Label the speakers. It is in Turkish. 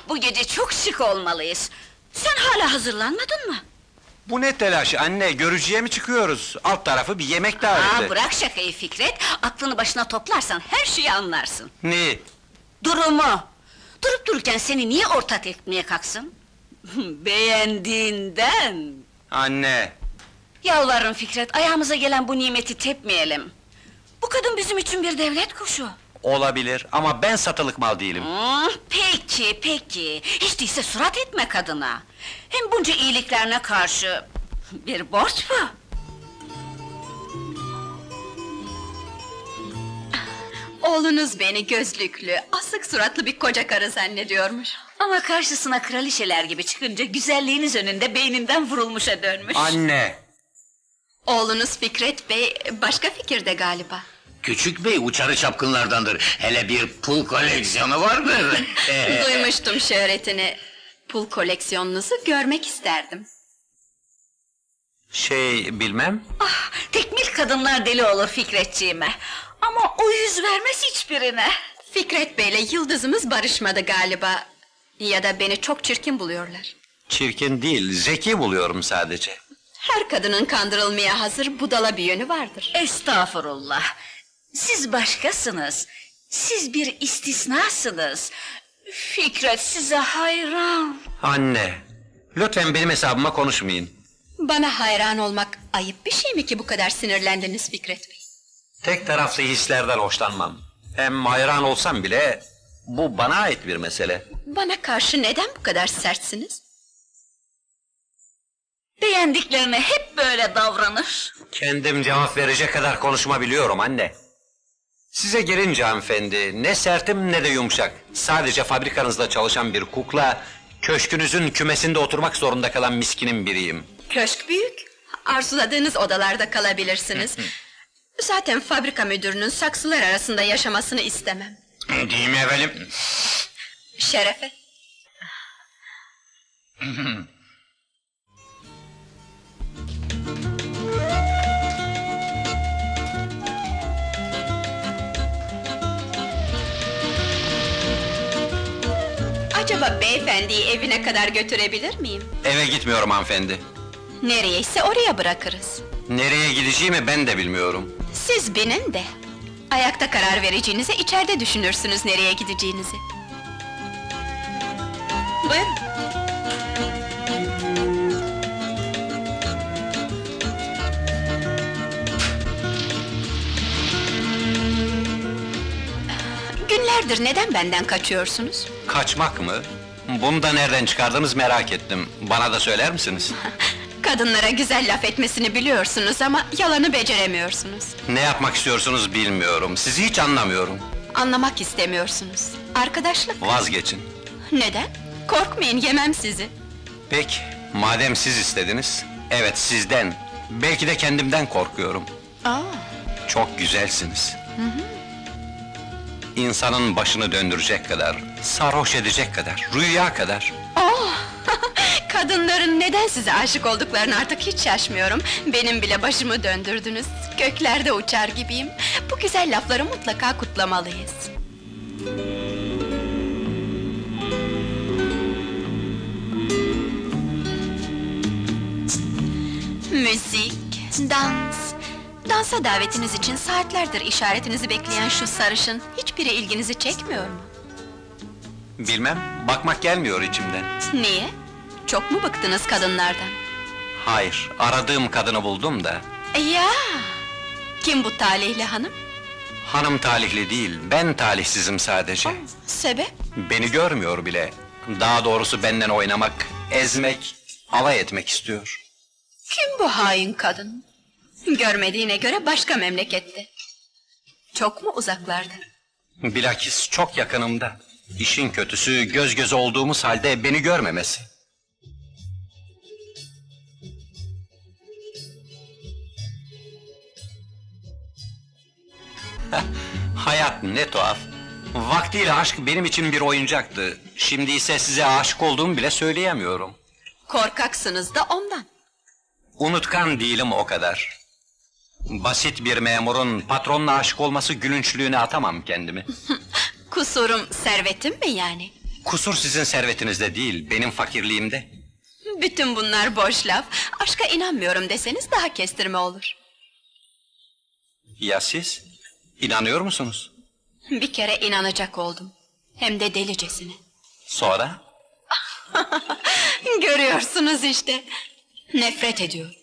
Speaker 1: Bu gece çok şık olmalıyız. Sen hala hazırlanmadın mı?
Speaker 2: Bu ne telaş anne, görücüye mi çıkıyoruz? Alt tarafı bir yemek daveti.
Speaker 1: Bırak şakayı Fikret, aklını başına toplarsan her şeyi anlarsın.
Speaker 2: Ne?
Speaker 1: Durumu! Durup dururken seni niye ortak etmeye kalksın? Beğendiğinden!
Speaker 2: Anne!
Speaker 1: Yalvarırım Fikret, ayağımıza gelen bu nimeti tepmeyelim. Bu kadın bizim için bir devlet kuşu.
Speaker 2: Olabilir ama ben satılık mal değilim.
Speaker 1: Peki. Hiç değilse surat etme kadına. Hem bunca iyiliklerine karşı bir borç bu.
Speaker 3: Oğlunuz beni gözlüklü, asık suratlı bir koca karı zannediyormuş.
Speaker 1: Ama karşısına kraliçeler gibi çıkınca güzelliğiniz önünde beyninden vurulmuşa dönmüş.
Speaker 2: Anne!
Speaker 3: Oğlunuz Fikret Bey başka fikirde galiba.
Speaker 4: Küçük bey uçarı çapkınlardandır. Hele bir pul koleksiyonu vardır.
Speaker 3: Duymuştum şöhretini. Pul koleksiyonunuzu görmek isterdim.
Speaker 2: Bilmem.
Speaker 1: Tekmil kadınlar deli olur Fikretciğime. Ama o yüz vermez hiçbirine.
Speaker 3: Fikret Bey'le yıldızımız barışmadı galiba. Ya da beni çok çirkin buluyorlar.
Speaker 2: Çirkin değil, zeki buluyorum sadece.
Speaker 3: Her kadının kandırılmaya hazır budala bir yönü vardır.
Speaker 1: Estağfurullah. Siz başkasınız. Siz bir istisnasınız. Fikret size hayran.
Speaker 2: Anne! Lütfen benim hesabıma konuşmayın.
Speaker 3: Bana hayran olmak ayıp bir şey mi ki bu kadar sinirlendiniz Fikret Bey?
Speaker 2: Tek taraflı hislerden hoşlanmam. Hem hayran olsam bile, bu bana ait bir mesele.
Speaker 3: Bana karşı neden bu kadar sertsiniz?
Speaker 1: Beğendiklerine hep böyle davranır.
Speaker 2: Kendim cevap verecek kadar konuşma biliyorum anne. Size gelince hanımefendi, ne sertim ne de yumuşak. Sadece fabrikanızda çalışan bir kukla, köşkünüzün kümesinde oturmak zorunda kalan miskinin biriyim.
Speaker 3: Köşk büyük. Arzuladığınız odalarda kalabilirsiniz. Zaten fabrika müdürünün saksılar arasında yaşamasını istemem.
Speaker 4: Değil mi efendim?
Speaker 3: Şerefe. Acaba beyefendiyi evine kadar götürebilir miyim?
Speaker 2: Eve gitmiyorum hanımefendi.
Speaker 3: Nereyse oraya bırakırız.
Speaker 2: Nereye gideceğimi ben de bilmiyorum.
Speaker 3: Siz binin de. Ayakta karar vereceğinize içeride düşünürsünüz nereye gideceğinizi. Buyurun. Günlerdir neden benden kaçıyorsunuz?
Speaker 2: Kaçmak mı? Bunu da nereden çıkardınız merak ettim. Bana da söyler misiniz?
Speaker 3: Kadınlara güzel laf etmesini biliyorsunuz ama yalanı beceremiyorsunuz.
Speaker 2: Ne yapmak istiyorsunuz bilmiyorum. Sizi hiç anlamıyorum.
Speaker 3: Anlamak istemiyorsunuz. Arkadaşlık.
Speaker 2: Vazgeçin.
Speaker 3: Neden? Korkmayın, yemem sizi.
Speaker 2: Peki, madem siz istediniz. Evet, sizden. Belki de kendimden korkuyorum.
Speaker 3: Aa,
Speaker 2: Çok güzelsiniz. İnsanın başını döndürecek kadar, sarhoş edecek kadar, rüya kadar.
Speaker 3: kadınların neden size aşık olduklarını artık hiç şaşmıyorum. Benim bile başımı döndürdünüz. Göklerde uçar gibiyim. Bu güzel lafları mutlaka kutlamalıyız. Müzik, dans. Dansa davetiniz için saatlerdir işaretinizi bekleyen şu sarışın hiçbiri ilginizi çekmiyor mu?
Speaker 2: Bilmem, bakmak gelmiyor içimden.
Speaker 3: Niye? Çok mu bıktınız kadınlardan?
Speaker 2: Hayır, aradığım kadını buldum da.
Speaker 3: Ya! Kim bu talihli hanım?
Speaker 2: Hanım talihli değil, ben talihsizim sadece.
Speaker 3: Sebep?
Speaker 2: Beni görmüyor bile. Daha doğrusu benden oynamak, ezmek, alay etmek istiyor.
Speaker 3: Kim bu hain kadın? Görmediğine göre başka memlekette. Çok mu uzaklarda?
Speaker 2: Bilakis çok yakınımda. İşin kötüsü göz göze olduğumuz halde beni görmemesi. Hayat ne tuhaf. Vaktiyle aşk benim için bir oyuncaktı. Şimdi ise size aşık olduğumu bile söyleyemiyorum.
Speaker 3: Korkaksınız da ondan.
Speaker 2: Unutkan değilim o kadar. Basit bir memurun patronla aşık olması gülünçlüğüne atamam kendimi.
Speaker 3: Kusurum servetim mi yani?
Speaker 2: Kusur sizin servetinizde değil, benim fakirliğimde.
Speaker 3: Bütün bunlar boş laf. Aşka inanmıyorum deseniz daha kestirme olur.
Speaker 2: Ya siz? İnanıyor musunuz?
Speaker 3: Bir kere inanacak oldum. Hem de delicesine.
Speaker 2: Sonra?
Speaker 3: Görüyorsunuz işte. Nefret ediyorum.